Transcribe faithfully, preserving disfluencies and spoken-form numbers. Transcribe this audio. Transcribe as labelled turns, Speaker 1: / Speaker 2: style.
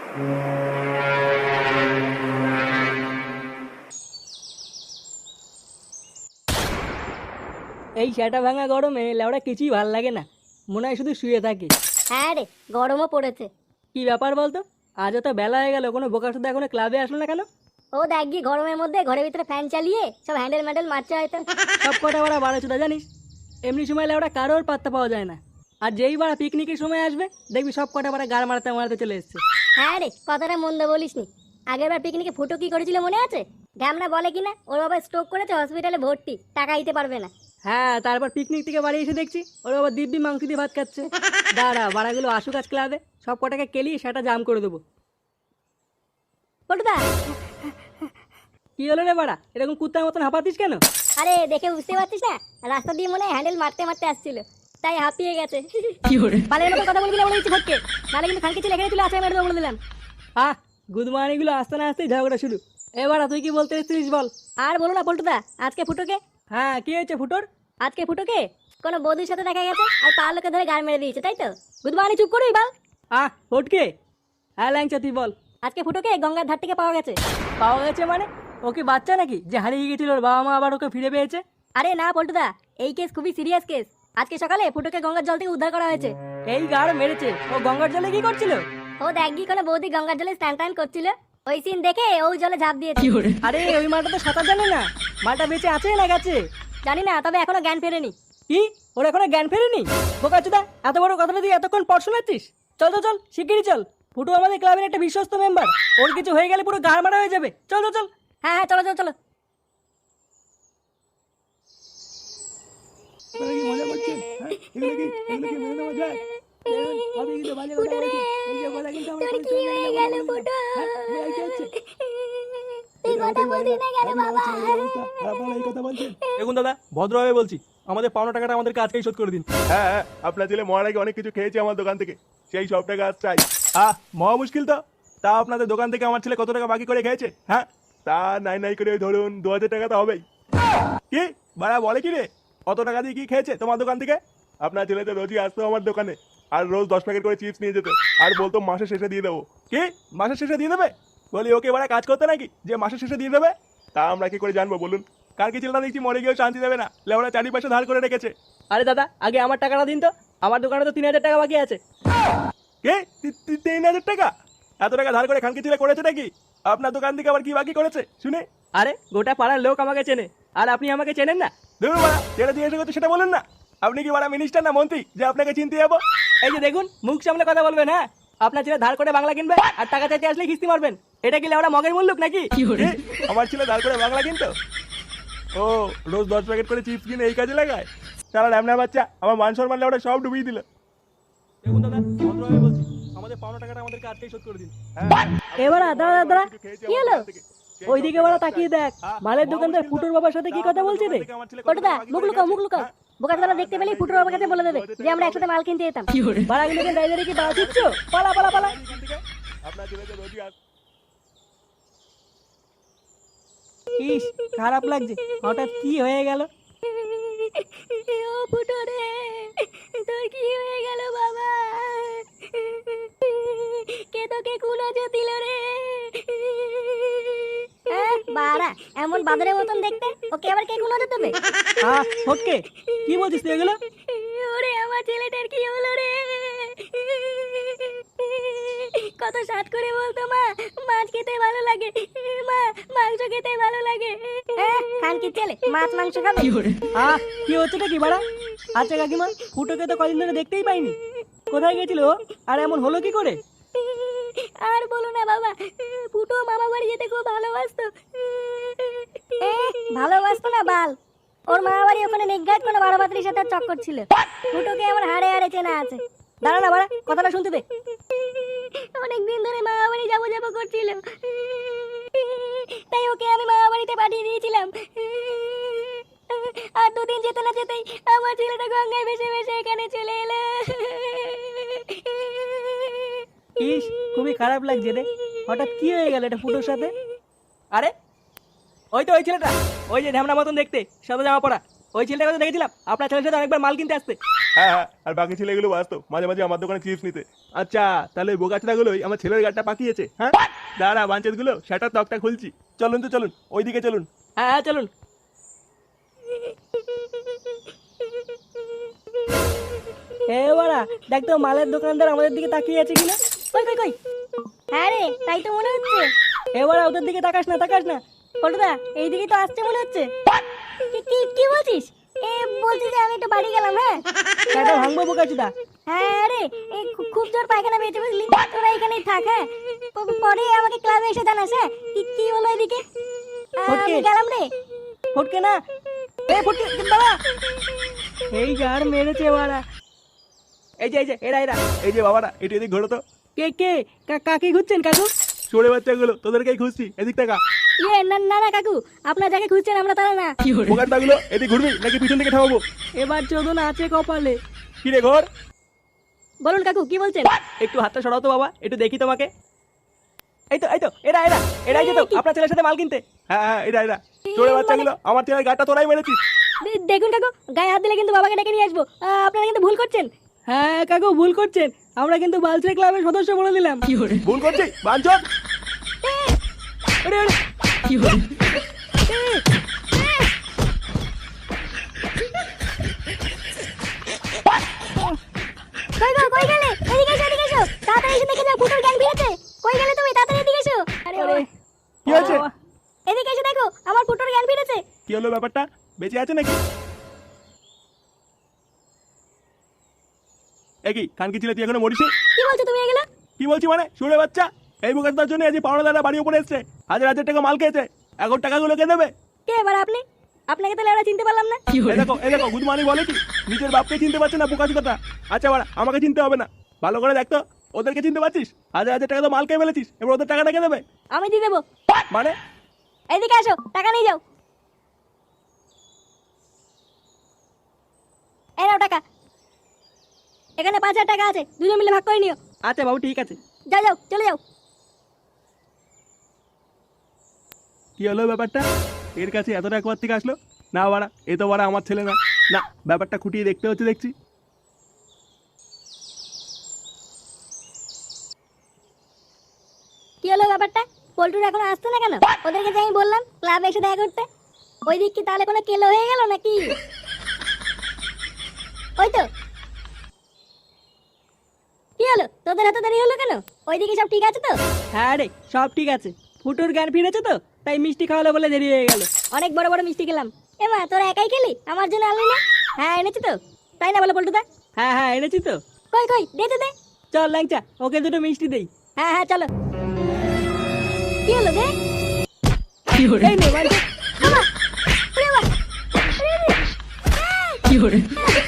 Speaker 1: এই সেটা ভাঙা গরমে লেওড়া কিছুই ভাল লাগে না, মনে হয় শুধু শুয়ে থাকি।
Speaker 2: হ্যাঁ রে, গরমও পড়েছে।
Speaker 1: কি ব্যাপার বলতো, আজও তো বেলা হয়ে গেল, কোনো বোকা শুধু এখনো ক্লাবে আসলো না কেন?
Speaker 2: ও দেখ গিয়ে গরমের মধ্যে ঘরের ভিতরে ফ্যান চালিয়ে সব হ্যান্ডেল ম্যান্ডেল মারছে হয়তো।
Speaker 1: সব কটা বাড়া বারো চুদা জানিস, এমনি সময় লেওড়া কারোর পাত্তা পাওয়া যায় না। আর যেই বাড়া পিকনিকের সময় আসবে দেখবি সব কটা বাড়া গাড় মারতে মারতে চলে এসছে।
Speaker 2: হ্যাঁ রে, কথাটা মন্দ বলিসনি। আগের বার পিকনিকে ফুটো কি করেছিল মনে আছে? ঢ্যামনা বলে কিনা ওর বাবা স্ট্রোক করেছে, হসপিটালে ভর্তি, টাকা দিতে পারবে না।
Speaker 1: হ্যাঁ, তারপর পিকনিক থেকে বাড়ি এসে দেখছি ওর বাবা দিব্যি মাংস দিয়ে ভাত খাচ্ছে। দাঁড়া, বাড়াগুলো আসুক আজ ক্লাবে, সব কটাকে কেলিয়ে সেটা জাম করে দেবো।
Speaker 2: পটুদা,
Speaker 1: কি হলো রে বাড়া, এরকম কুত্তার মতন হাঁপাতিস কেন?
Speaker 2: আরে দেখে বুঝতে পারছিস না, রাস্তা দিয়ে মনে হয় হ্যান্ডেল মারতে মারতে আসছিল, তাই হাঁপিয়ে গেছে। বালের মতো কথা বলবি না বলে দিচ্ছি ফটকে, নাহলে কিন্তু খানকে ছিল এখানে চলে আসে মেরে দেবো বলে দিলাম।
Speaker 1: আহ, গুদমানিগুলো আসতে না আসতেই ঝগড়া শুরু। এবার তুই কি বলতে এসেছিস বল।
Speaker 2: আর বলো না পল্টুদা, আজকে ফুটোকে
Speaker 1: হ্যাঁ, কি হয়েছে ফুটোর?
Speaker 2: আজকে ফুটোকে কোনো বৌদির সাথে দেখা গেছে, আর পাড়ার লোকে ধরে গাড় মেরে দিয়েছে, তাই তো? গুদমানি চুপ করবি বাল।
Speaker 1: আহ ফটকে, হ্যাঁ ল্যাংচা তুই বল।
Speaker 2: আজকে ফুটোকে গঙ্গার ধার থেকে পাওয়া গেছে।
Speaker 1: পাওয়া গেছে মানে? ও কি বাচ্চা নাকি যে হারিয়ে গেছিল ওর বাবা মা আবার ওকে ফিরে পেয়েছে?
Speaker 2: আরে না পল্টুদা, এই কেস খুবই সিরিয়াস কেস। আজকে সকালে ফুটোকে গঙ্গার জল থেকে উদ্ধার করা হয়েছে।
Speaker 1: এই গাড় মেরেছে, ও গঙ্গার জলে কি করছিল?
Speaker 2: ও দেখ গিয়ে কোনো বৌদি গঙ্গার জলে স্নান টান করছিল, ওই সিন দেখে ওই জলে ঝাঁপ দিয়েছে।
Speaker 1: আরে ওই মালটা তো সাঁতার জানে না, মালটা বেঁচে আছে না গেছে?
Speaker 2: জানি না, তবে এখনো জ্ঞান ফেরেনি।
Speaker 1: কি, ওর এখনো জ্ঞান ফেরেনি? বোকাচোদা, এত বড় কথাটা তুই এতক্ষণ পড় শোনাচ্ছিস? চল চল চল, শিগগিরই চল। ফুটু আমাদের ক্লাবের একটা বিশ্বস্ত মেম্বার, ওর কিছু হয়ে গেলে পুরো গাড় মারা হয়ে যাবে। চল চল চল।
Speaker 2: হ্যাঁ হ্যাঁ, চলো চলো চলো।
Speaker 1: মজা করছেন? হ্যাঁ, এগুলো কি এগুলো কি মেনে নেওয়া যায়? আমি কিন্তু বাজে কথা বলছি, এই যে কথা কিন্তু আমরা
Speaker 2: তোর কি হয়ে গেল ফুটো?
Speaker 1: হ্যাঁ, কি হচ্ছে?
Speaker 2: তুই কথা বলছিস না কেন বাবা?
Speaker 1: আপনারা এই কথা বলছেন? দেখুন দাদা, ভদ্রভাবে বলছি, আমাদের পাওনা টাকাটা আমাদেরকে আজকেই শোধ করে দিন।
Speaker 3: হ্যাঁ হ্যাঁ, আপনার ছেলে মরার আগে অনেক কিছু খেয়েছে আমার দোকান থেকে, সেই সব টাকা আজ চাই। আহ, মহা মুশকিল তো। তা আপনাদের দোকান থেকে আমার ছেলে কত টাকা বাকি করে খেয়েছে? হ্যাঁ, তা নাই নাই করে ওই ধরুন দু হাজার টাকা তো হবেই। কি বাড়া বলে কি রে, অত টাকা দিয়ে কি খেয়েছে তোমার দোকান থেকে? আপনার ছেলে তো রোজই আসতো আমার দোকানে, আর রোজ দশ প্যাকেট করে চিপস নিয়ে যেত, আর বলতো মাসের শেষে দিয়ে দেবো। কি মাসের শেষে দিয়ে দেবে? বলি ওকে বাড়া কাজ করতে নাকি যে মাসের শেষে দিয়ে দেবে? তা আমরা কি করে জানবো বলুন? কার কি ছেলেটা দেখছি মরে গিয়েও শান্তি দেবে না, লেওড়া চারি পয়সা ধার করে রেখেছে।
Speaker 1: আরে দাদা, আগে আমার টাকাটা দিন তো, আমার দোকানে তো তিন হাজার টাকা বাকি আছে।
Speaker 3: কে তি- তি- তিন হাজার টাকা? এত টাকা ধার করে খানকি ছেলে করেছে নাকি? আপনার দোকান থেকে আবার কি বাকি করেছে শুনে?
Speaker 1: আরে গোটা পাড়ার লোক আমাকে চেনে, আর আপনি আমাকে চেনেন না?
Speaker 3: ধরুন বাড়া, যেটা জিজ্ঞাসা করছে সেটা বলুন না। আপনি কি বাড়া মিনিস্টার না মন্ত্রী যে আপনাকে চিনতে যাবো?
Speaker 1: এই যে দেখুন, মুখ সামনে কথা বলবেন। হ্যাঁ, আপনার ছেলে ধার করে বাংলা কিনবে আর টাকা চাইতে আসলে কিস্তি মারবেন, এটা কি লেওড়া মগের মূল্য নাকি?
Speaker 3: কি? আমার ছেলে ধার করে বাংলা কিনতো? ও রোজ দশ প্যাকেট করে চিপস কিনে এই কাজে লাগায়? তারা ল্যামনা বাচ্চা, আমার মান সম্মান লেওড়া সব ডুবিয়ে দিল।
Speaker 1: দেখুন দাদা, ভদ্রভাবে বলছি, আমাদের পাওনা টাকাটা আমাদেরকে আজকেই শোধ করে দিন।
Speaker 3: হ্যাঁ,
Speaker 1: এবার দাঁড়া দাঁড়া,
Speaker 2: কি হলো?
Speaker 1: ওইদিকে বলা তাকিয়ে দেখ, মালের দোকানদার ফুটোর বাবার সাথে কি কথা বলছে রে?
Speaker 2: পটুদা, মুখ লুকাও মুখ লুকাও। বোকাটারা দেখতে পেলেই ফুটোর বাবার কাছে বলে দেবে যে আমরা একসাথে মাল কিনতে যেতাম।
Speaker 1: বাড়াগুলোকে দাঁড়িয়ে কি বাড়া দিচ্ছ? পালা পালা পালা।
Speaker 3: আপনার ছেলে তো রোজই আস।
Speaker 1: ইস, খারাপ লাগছে, হঠাৎ কি হয়ে গেল?
Speaker 2: ও ফুটো রে, তোর কি হয়ে গেল বাবা? কে তোকে কুনাজো দিল রে? বাড়া, এমন বাদরের মতন দেখতে, ওকে আবার কে কুনাজো দেবে?
Speaker 1: আহ ওকে, কি বলছিস তুই এগুলো?
Speaker 2: ওরে আমার ছেলেটার কি হলো রে? কত সাত করে বলতো মা মাছ খেতে ভালো লাগে, মা মাংস খেতে ভালো লাগে। খান কি ছেলে মাছ মাংস খাবে?
Speaker 1: আহ, কি হচ্ছেটা কি বাড়া? আচ্ছা কাকিমা, ফুটোকে তো কদিন ধরে দেখতেই পাইনি, কোথায় গেছিল ও? আর এমন হলো কি করে?
Speaker 2: আর বলো না বাবা, ফুটো মামা বাড়ি যেতে খুব ভালোবাসতো। ভালোবাসতো না বাল, ওর মামা বাড়ি ওখানে নিজ্ঞাত কোনো বারো পাত্রীর সাথে চক্কর ছিল। ফুটোকে আমার হাড়ে হাড়ে চেনা আছে।
Speaker 1: দাঁড়া না বাড়া, কথাটা শুনতে দে।
Speaker 2: অনেকদিন ধরে মামা বাড়ি যাবো যাবো করছিল, তাই ওকে আমি মামা বাড়িতে পাঠিয়ে দিয়েছিলাম। আর দুদিন যেতে না যেতেই আমার ছেলেটা গঙ্গায় ভেসে ভেসে এখানে চলে এলো।
Speaker 1: ইস, খুবই খারাপ লাগছে রে, হঠাৎ কি হয়ে গেল এটা ফুটোর সাথে? আরে ওই তো ওই ছেলেটা, ওই যে ঢ্যামনা মতন দেখতে, সাদা জামা পরা, ওই ছেলেটাকে তো দেখেছিলাম আপনার ছেলের সাথে অনেকবার মাল কিনতে আসতে।
Speaker 3: হ্যাঁ হ্যাঁ, আর বাকি ছেলেগুলো আসতো মাঝে মাঝে আমার দোকানে চিপস নিতে। আচ্ছা, তাহলে ওই বোকাচোদাগুলোই আমার ছেলের গাড়িটা পাকিয়েছে। হ্যাঁ দাঁড়া বাঞ্চেত গুলো, সেটার তকটা খুলছি। চলুন তো চলুন, ওইদিকে চলুন।
Speaker 1: হ্যাঁ হ্যাঁ চলুন। এ বাড়া, দেখ তো মালের দোকানদার আমাদের দিকে তাকিয়ে আছে কিনা।
Speaker 2: কই কই কই, হ্যাঁ রে তাই তো মনে হচ্ছে।
Speaker 1: এ বাড়া, ওদের দিকে তাকাস না, তাকাস না।
Speaker 2: পল্টুদা এইদিকে তো আসছে মনে হচ্ছে। কি কি কি বলছিস? এ বলছি যে আমি একটু বাড়ি গেলাম। হ্যাঁ
Speaker 1: সেটা ভাঙবো বোকাচোদা।
Speaker 2: হ্যাঁ রে, এই খু- খুব জোর পায়খানা পেয়েছে বুঝলি, তোরা এখানেই থাক। হ্যাঁ প- পরে আমাকে ক্লাবে এসে জানাস। হ্যাঁ কি কি হলো এদিকে? আহ,
Speaker 1: ফটকে।
Speaker 2: আমি গেলাম রে।
Speaker 1: ফটকে না, এ ফটকে দাঁড়া। এই গার মেরেছে বাড়া। এই যে এই যে এরা এরা।
Speaker 3: এই যে বাবারা, এটি এদিক ঘোরো তো।
Speaker 1: কে কে কা- কাকে খুঁজছেন কাকু?
Speaker 3: চোরে বাচ্চাগুলো, তোদেরকেই খুঁজছি, এদিক টাকা।
Speaker 2: ইয়ে না না না কাকু, আপনার যাকে খুঁজছেন আমরা তারা না।
Speaker 3: বোকাচোদাগুলো এদিক ঘুরবি নাকি পিছন দিকে ঠামাবো?
Speaker 1: এবার চোদন আছে কপালে।
Speaker 3: কি রে ঘর?
Speaker 2: বলুন কাকু কি বলছেন?
Speaker 1: একটু হাতটা সরাও তো বাবা, একটু দেখি তোমাকে। এই তো এই তো এরা এরা এরাই যেত আপনার ছেলের সাথে মাল কিনতে।
Speaker 3: হ্যাঁ হ্যাঁ, এটা এটা চোরে বাচ্চাগুলো, আমার ছেলের গাড়িটা তোরাই মেরেছিস।
Speaker 2: দে- দেখুন কাকু, গায়ে হাত দিলে কিন্তু বাবাকে ডেকে নিয়ে আসবো। আহ, আপনারা কিন্তু ভুল করছেন।
Speaker 1: হ্যাঁ কাকু ভুল করছেন, আমরা কিন্তু বালচে ক্লাবের সদস্য বলে দিলাম।
Speaker 3: ভুল করছি বাঞ্চত।
Speaker 1: ওরে ওরে
Speaker 2: কই গো, কই গেলে? এদিকে এসো, এদিকে এসো। তাড়াতাড়ি এসে দেখে যাও ফুটোর গ্যাং ফিরেছে। কই গেলে তুমি? তাড়াতাড়ি এদিকে এসো। আরে
Speaker 1: ওরে।
Speaker 2: ওরে,
Speaker 3: কি হয়েছে?
Speaker 2: এদিকে এসে দেখো আমার ফুটোর গ্যাং ফিরেছে।
Speaker 3: কি হলো ব্যাপারটা? বেঁচে আছে নাকি? একই খানকি ছিল, তুই এখনো মরিস?
Speaker 2: কি বলছো তুমি এগুলো?
Speaker 3: কি বলছি মানে, শুনে বাচ্চা, এই বোকাটার জন্য আজ পাওনাদাররা বাড়ি উপরে এসছে, হাজার হাজার টাকা মাল খেয়েছে। এখন টাকাগুলো কে দেবে?
Speaker 2: কে এবার আপনি? আপনাকে তাহলে আমরা চিনতে পারলাম না।
Speaker 3: এই দেখো এই দেখো, গুদমানি বলে কি নিজের বাপকে চিনতে পারছে না বোকাচোদাটা। আচ্ছা বাড়া, আমাকে চিনতে হবে না, ভালো করে দেখতো। ওদেরকে চিনতে পারছিস? হাজার হাজার টাকা তো মাল খেয়ে ফেলেছিস, এবার ওদের টাকাটা কে দেবে?
Speaker 2: আমি দিয়ে দেবো।
Speaker 3: মানে
Speaker 2: এদিকে আসো, টাকা নিয়ে যাও। এই নাও টাকা। এখানে পাঁচ হাজার টাকা আছে, দুজন মিলে ভাগ করে নিও।
Speaker 1: আচ্ছা বাবু ঠিক আছে।
Speaker 2: যাও যাও, চলে যাও।
Speaker 3: কি হলো ব্যাপারটা? এর কাছে এত টাকা কোথা থেকে আসলো? না বাড়া, এ তো বাড়া আমার ছেলে না। না, ব্যাপারটা খুঁটিয়ে দেখতে হচ্ছে দেখছি।
Speaker 2: কি হলো ব্যাপারটা? পল্টুর এখন আসতো না কেন? ওদেরকে যে আমি বললাম ক্লাবে এসে দেখা করতে, ওই দিক কি তাহলে কোনো কেলো হয়ে গেল নাকি? ওই তো। কি হলো, তোদের এত দেরি হলো কেন? ওইদিকে সব ঠিক আছে তো?
Speaker 1: হ্যাঁ রে সব ঠিক আছে, ফুটোর জ্ঞান ফিরেছে তো, তাই মিষ্টি খাওয়ালো বলে দেরি হয়ে গেল।
Speaker 2: অনেক বড় বড় মিষ্টি খেলাম। এমা তোরা একাই খেলি, আমার জন্য আনলি না? হ্যাঁ এনেছি তো, তাই না বলো পল্টুদা?
Speaker 1: হ্যাঁ হ্যাঁ এনেছি তো।
Speaker 2: কই কই, দে দে দে।
Speaker 1: চল ল্যাংচা, ওকে দুটো মিষ্টি দেই।
Speaker 2: হ্যাঁ হ্যাঁ চলো। কি হলো দে?
Speaker 1: এই নে বাঞ্চত।
Speaker 2: বাবা, ওরে বাবা, ওরে, ওরে।
Speaker 1: কি করে